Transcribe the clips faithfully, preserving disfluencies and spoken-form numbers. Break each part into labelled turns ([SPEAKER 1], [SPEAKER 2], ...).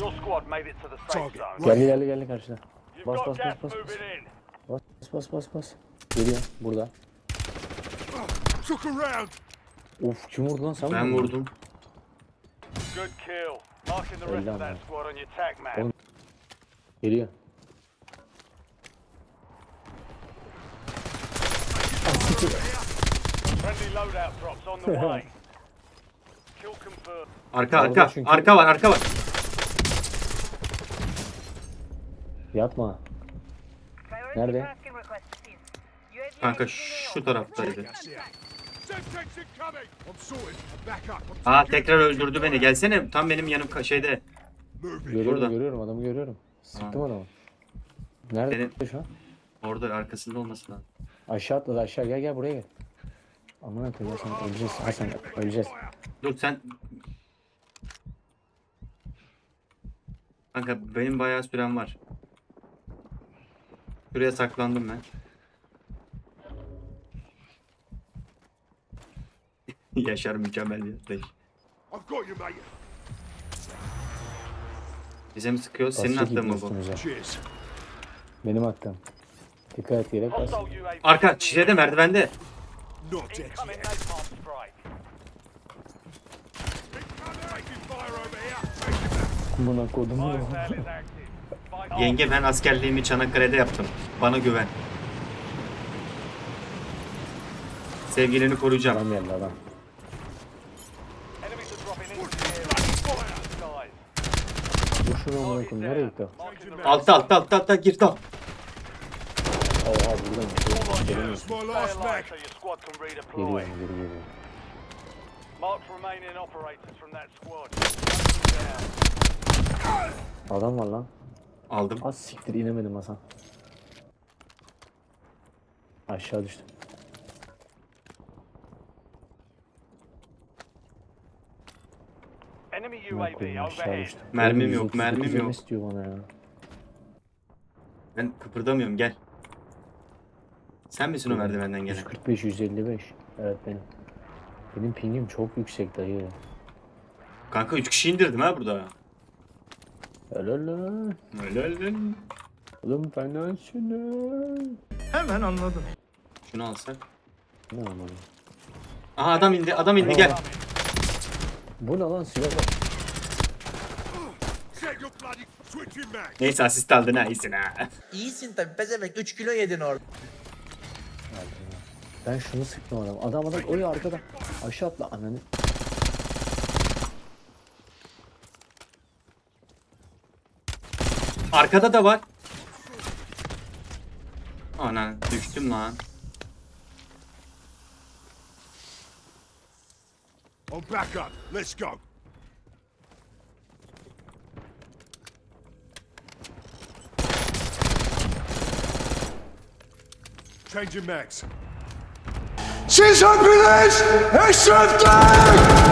[SPEAKER 1] Your squad made it to the safe
[SPEAKER 2] Target.
[SPEAKER 1] zone.
[SPEAKER 3] Geldi geldi geldi karşıda.
[SPEAKER 1] You've
[SPEAKER 3] Bas
[SPEAKER 1] got
[SPEAKER 3] bas bas
[SPEAKER 1] gas
[SPEAKER 3] bas.
[SPEAKER 1] moving in.
[SPEAKER 3] Bas bas bas bas. Geliyor burada.
[SPEAKER 2] Took a round.
[SPEAKER 3] Of kim vurdu lan sen mi
[SPEAKER 4] Ben
[SPEAKER 3] vurdun?
[SPEAKER 4] vurdum.
[SPEAKER 1] Good kill. Marking the rest
[SPEAKER 3] Öyle
[SPEAKER 1] of that
[SPEAKER 3] ama.
[SPEAKER 1] squad on your tac map.
[SPEAKER 3] Oğlum. Geliyor.
[SPEAKER 1] Friendly loadout drops on the way. Kill confirmed.
[SPEAKER 4] Arka
[SPEAKER 3] Orada
[SPEAKER 4] arka.
[SPEAKER 3] çünkü-
[SPEAKER 4] Arka var arka var.
[SPEAKER 3] Yapma. Nerede?
[SPEAKER 4] Kanka şu taraftaydı.
[SPEAKER 2] Gas here. Semtex incoming. I'm sorted. I'm back up. I'm
[SPEAKER 4] Aa tekrar öldürdü beni. Gelsene tam benim yanım ka- şeyde.
[SPEAKER 2] moving.
[SPEAKER 3] Görüyorum
[SPEAKER 4] Burada.
[SPEAKER 3] görüyorum adamı görüyorum. Sıktım adamı. Nerede
[SPEAKER 4] Benim-
[SPEAKER 3] şu an?
[SPEAKER 4] Orada arkasında olması lazım.
[SPEAKER 3] Aşağı atladı aşağı gel gel buraya gel. Aman koyayım Hasan öleceğiz Hasan öleceğiz.
[SPEAKER 4] Dur sen. Kanka benim bayağı sürem var. Şuraya saklandım ben. Yaşar mükemmel bir atlayış.
[SPEAKER 2] I've got you, mate.
[SPEAKER 4] Bize mi sıkıyor? Senin
[SPEAKER 3] Basacak
[SPEAKER 4] attığın mı bu?
[SPEAKER 3] üstümüze.
[SPEAKER 2] Cheers.
[SPEAKER 3] Benim attım. Dikkat et yere bas.
[SPEAKER 1] Hostile U A V.
[SPEAKER 4] Arka şeyde merdivende.
[SPEAKER 2] Not dead
[SPEAKER 1] Incoming
[SPEAKER 2] yet.
[SPEAKER 1] napalm strike.
[SPEAKER 2] Taking fire over here. Taking that.
[SPEAKER 3] Buna kodum mu?
[SPEAKER 1] Biosale is active. Fight on.
[SPEAKER 4] Yenge ben askerliğimi Çanakkale'de yaptım. Bana güven. Sevgilini koruyacağım.
[SPEAKER 3] Adam geldi adam.
[SPEAKER 1] Enemies are dropping into the area. Skies.
[SPEAKER 3] Dur şunu amına koyayım nereye gitti o?
[SPEAKER 1] Marking the
[SPEAKER 4] Altta altta altta altta gir tam.
[SPEAKER 3] Oha buradan geliyor.
[SPEAKER 2] That's my
[SPEAKER 1] Stay
[SPEAKER 2] last
[SPEAKER 1] alive
[SPEAKER 2] mag.
[SPEAKER 1] so your squad can
[SPEAKER 3] Geliyor
[SPEAKER 1] redeploy.
[SPEAKER 3] geri geliyor.
[SPEAKER 1] Mark remaining operators from that squad. Down.
[SPEAKER 3] Adam var lan.
[SPEAKER 4] Aldım.
[SPEAKER 3] Az siktir inemedim Hasan. Aşağı düştüm.
[SPEAKER 1] Enemy
[SPEAKER 3] Amına
[SPEAKER 1] U A V
[SPEAKER 3] koyayım aşağı
[SPEAKER 1] overhead.
[SPEAKER 3] düştüm.
[SPEAKER 4] Mermim
[SPEAKER 3] Oğlum,
[SPEAKER 4] yok,
[SPEAKER 3] yüz otuz dokuz
[SPEAKER 4] mermim yok.
[SPEAKER 3] istiyor bana ya.
[SPEAKER 4] Ben kıpırdamıyorum gel. Sen misin o merdivenden gelen?
[SPEAKER 3] yüz kırk beş yüz elli beş. Evet benim. Benim pingim çok yüksek dayı.
[SPEAKER 4] Kanka üç kişi indirdim ha burada.
[SPEAKER 3] Helal lan.
[SPEAKER 4] Öyle öyle.
[SPEAKER 3] Oğlum fenasın.
[SPEAKER 5] Hemen anladım.
[SPEAKER 4] Şunu alsak.
[SPEAKER 3] Ne anladım?
[SPEAKER 4] Aha adam indi adam indi gel.
[SPEAKER 3] Bu ne lan silah?
[SPEAKER 2] Check your bloody switching mag.
[SPEAKER 4] Neyse asist aldın ha iyisin ha.
[SPEAKER 5] İyisin tabi pezevenk üç kilo yedin orada.
[SPEAKER 3] Ben şunu sıktım adam. Adam adam öyle arkada. Aşağı atla ananı.
[SPEAKER 4] Arkada da var. Ana düştüm lan.
[SPEAKER 2] I'm back up. Let's go. Changing mags. Siz hepiniz eşrefler!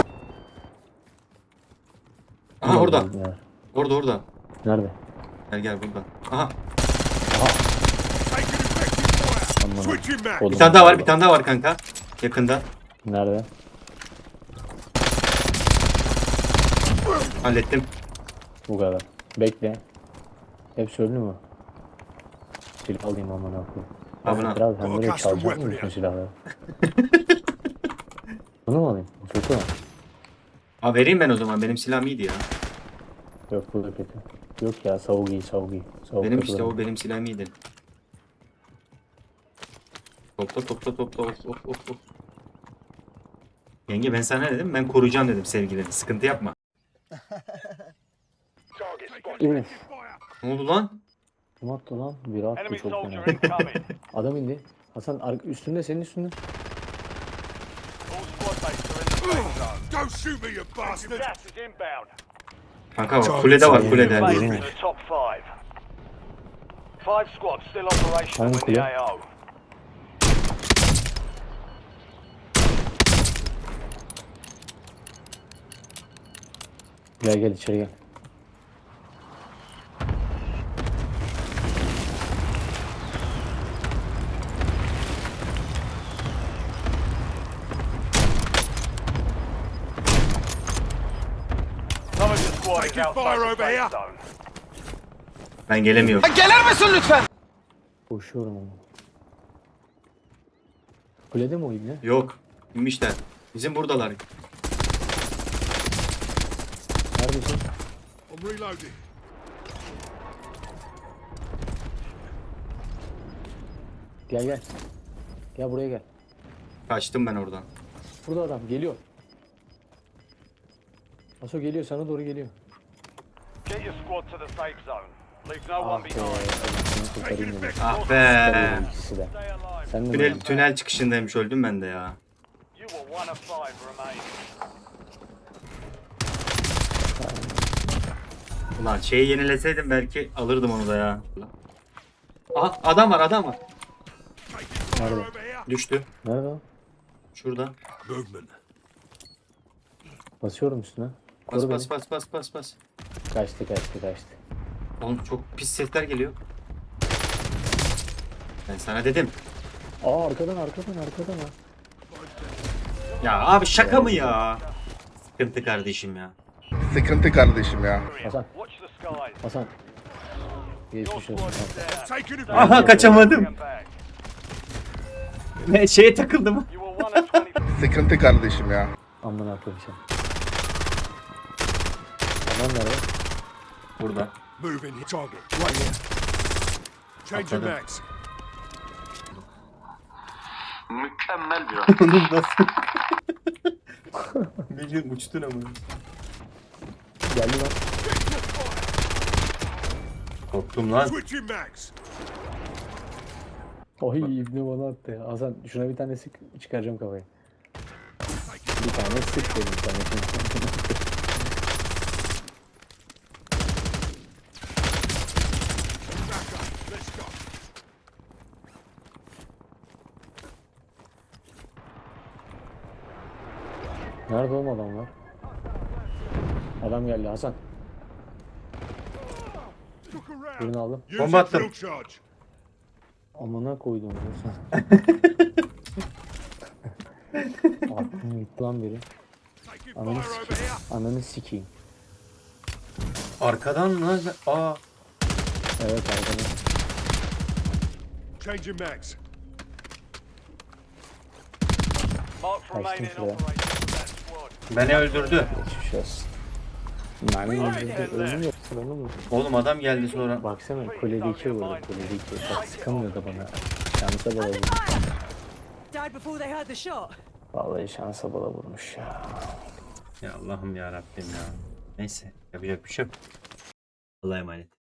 [SPEAKER 4] Aha orada.
[SPEAKER 3] Ya.
[SPEAKER 4] Orada orada.
[SPEAKER 3] Nerede?
[SPEAKER 4] Gel gel burada. Aha.
[SPEAKER 2] Taking effective fire.
[SPEAKER 3] Aman.
[SPEAKER 2] Switching mag.
[SPEAKER 3] Oğlum.
[SPEAKER 4] Bir tane daha var bir tane daha var kanka. Yakında.
[SPEAKER 3] Nerede?
[SPEAKER 4] Hallettim.
[SPEAKER 3] Bu kadar. Bekle. Hepsi öldü mü? Silah alayım aman koyayım.
[SPEAKER 4] Abone ol.
[SPEAKER 3] Biraz sen böyle
[SPEAKER 2] Custom
[SPEAKER 3] çalacak
[SPEAKER 2] weapon
[SPEAKER 3] mısın bütün
[SPEAKER 2] ya.
[SPEAKER 3] silahları? Bunu mu alayım? Bu kötü mü?
[SPEAKER 4] Aa vereyim ben o zaman. Benim silahım iyiydi ya.
[SPEAKER 3] Yok bu da kötü. Yok ya savuk iyi savuk iyi. Savuk
[SPEAKER 4] Benim
[SPEAKER 3] kötü
[SPEAKER 4] işte
[SPEAKER 3] lan.
[SPEAKER 4] o benim silahım iyiydi. Topla topla topla of of of of. Yenge ben sana ne dedim? Ben koruyacağım dedim sevgilini. Sıkıntı yapma.
[SPEAKER 3] İyi.
[SPEAKER 4] Ne oldu lan?
[SPEAKER 3] Kim attı lan? Biri attı
[SPEAKER 1] Enemy
[SPEAKER 3] çok
[SPEAKER 1] soldier
[SPEAKER 3] fena.
[SPEAKER 1] incoming.
[SPEAKER 3] Adam indi. Hasan ar- üstünde senin üstünde.
[SPEAKER 1] All squad mates are in the safe zone.
[SPEAKER 2] Don't shoot me, you bastard!
[SPEAKER 1] Gas is inbound.
[SPEAKER 4] Kanka bak kulede var kulede.
[SPEAKER 1] Made it
[SPEAKER 3] Birini.
[SPEAKER 1] to the top five. Five squads still operational
[SPEAKER 3] Hangi
[SPEAKER 1] in the
[SPEAKER 3] kule?
[SPEAKER 1] A O.
[SPEAKER 3] Gel gel içeri gel.
[SPEAKER 1] Some of your squad is
[SPEAKER 2] Taking
[SPEAKER 1] outside
[SPEAKER 2] fire
[SPEAKER 1] the
[SPEAKER 2] over
[SPEAKER 1] safe
[SPEAKER 2] here.
[SPEAKER 1] zone.
[SPEAKER 4] Ben gelemiyorum.
[SPEAKER 3] Koşuyorum ama. Kulede mi o ibne?
[SPEAKER 4] Yok. İnmişler. Bizim buradalar.
[SPEAKER 3] Neredesin?
[SPEAKER 2] I'm reloading.
[SPEAKER 3] Gel gel. Gel buraya gel.
[SPEAKER 4] Kaçtım ben oradan.
[SPEAKER 3] Burada adam geliyor. Aso geliyor, sana doğru geliyor.
[SPEAKER 1] Get your squad to the safe zone. Leave no
[SPEAKER 3] Ah
[SPEAKER 1] one
[SPEAKER 3] be.
[SPEAKER 1] behind.
[SPEAKER 3] Seni kurtarayım dedim.
[SPEAKER 4] Ah be.
[SPEAKER 3] Kurtarayım ikisi de.
[SPEAKER 1] Stay alive.
[SPEAKER 3] Sen de
[SPEAKER 4] Tünel,
[SPEAKER 3] mi?
[SPEAKER 4] tünel çıkışındaymış, öldüm ben de ya.
[SPEAKER 1] You were one of five remaining.
[SPEAKER 4] Ulan şeyi yenileseydim belki alırdım onu da ya. Aha, adam var, adam var.
[SPEAKER 2] Taking fire
[SPEAKER 3] Nerede?
[SPEAKER 2] over here.
[SPEAKER 4] Düştü.
[SPEAKER 3] Nerede o?
[SPEAKER 4] Şurada.
[SPEAKER 2] Movement.
[SPEAKER 3] Basıyorum üstüne.
[SPEAKER 4] Bas
[SPEAKER 3] Koru
[SPEAKER 4] bas
[SPEAKER 3] beni.
[SPEAKER 4] bas bas bas bas.
[SPEAKER 3] Kaçtı kaçtı kaçtı.
[SPEAKER 4] Oğlum çok pis sesler geliyor. Ben sana dedim.
[SPEAKER 3] Aa arkadan arkadan arkadan ha.
[SPEAKER 4] Ya abi şaka mı ya? Sıkıntı kardeşim ya.
[SPEAKER 6] Sıkıntı kardeşim ya.
[SPEAKER 3] Hasan.
[SPEAKER 1] Watch the skies.
[SPEAKER 3] Hasan.
[SPEAKER 1] Your
[SPEAKER 3] Geçmiş
[SPEAKER 1] squad
[SPEAKER 3] olsun.
[SPEAKER 1] is down.
[SPEAKER 2] Taking it.
[SPEAKER 4] Aha kaçamadım.
[SPEAKER 1] Bring 'em back.
[SPEAKER 4] Ne şeye takıldım.
[SPEAKER 1] You were one of twenty.
[SPEAKER 6] Sıkıntı kardeşim ya.
[SPEAKER 3] Aman akıllı şey. Aman nerede?
[SPEAKER 4] Burada.
[SPEAKER 2] Moving. Target. Right here. Changing
[SPEAKER 4] Atladım.
[SPEAKER 2] mags.
[SPEAKER 7] Mükemmel bir
[SPEAKER 4] Oğlum nasıl? Bildiğin uçtun ama.
[SPEAKER 3] Geldi lan.
[SPEAKER 4] Korktum lan.
[SPEAKER 2] Switching mags.
[SPEAKER 3] Oy ibne bana attı ya. Hasan şuna bir tane sık çıkaracağım kafayı. Bir tane sık dedim sana.
[SPEAKER 2] Back up. Let's go.
[SPEAKER 3] Nerede oğlum adamlar? Adam geldi Hasan.
[SPEAKER 2] Look around.
[SPEAKER 3] Birini aldım.
[SPEAKER 2] Using
[SPEAKER 4] Bomba attım.
[SPEAKER 2] field charge.
[SPEAKER 3] Amına koydum Hasan. Aklım gitti lan biri.
[SPEAKER 2] Taking
[SPEAKER 3] Ananı
[SPEAKER 2] fire over
[SPEAKER 3] sikeyim.
[SPEAKER 2] here.
[SPEAKER 3] Ananı sikeyim.
[SPEAKER 4] Arkadan mı? Aa.
[SPEAKER 3] Evet arkadan.
[SPEAKER 2] Changing mags.
[SPEAKER 1] Mark
[SPEAKER 3] Kaçtım
[SPEAKER 1] remaining
[SPEAKER 3] şuraya.
[SPEAKER 1] operators of that squad.
[SPEAKER 4] Beni öldürdü.
[SPEAKER 3] Geçmiş olsun. Mermi öldürdü. Ölüm yok. Ölüm yok.
[SPEAKER 4] Oğlum adam geldi sonra.
[SPEAKER 3] Baksana kulede iki vurdu. Kulede iki. Bak sıkamıyor da bana. Şansa bala vurmuş.
[SPEAKER 8] Died before they heard the shot.
[SPEAKER 3] Vallahi şansa bala vurmuş ya.
[SPEAKER 4] Ya Allah'ım ya Rabbim ya. Neyse yapacak bir şey yok. Allah'a emanet.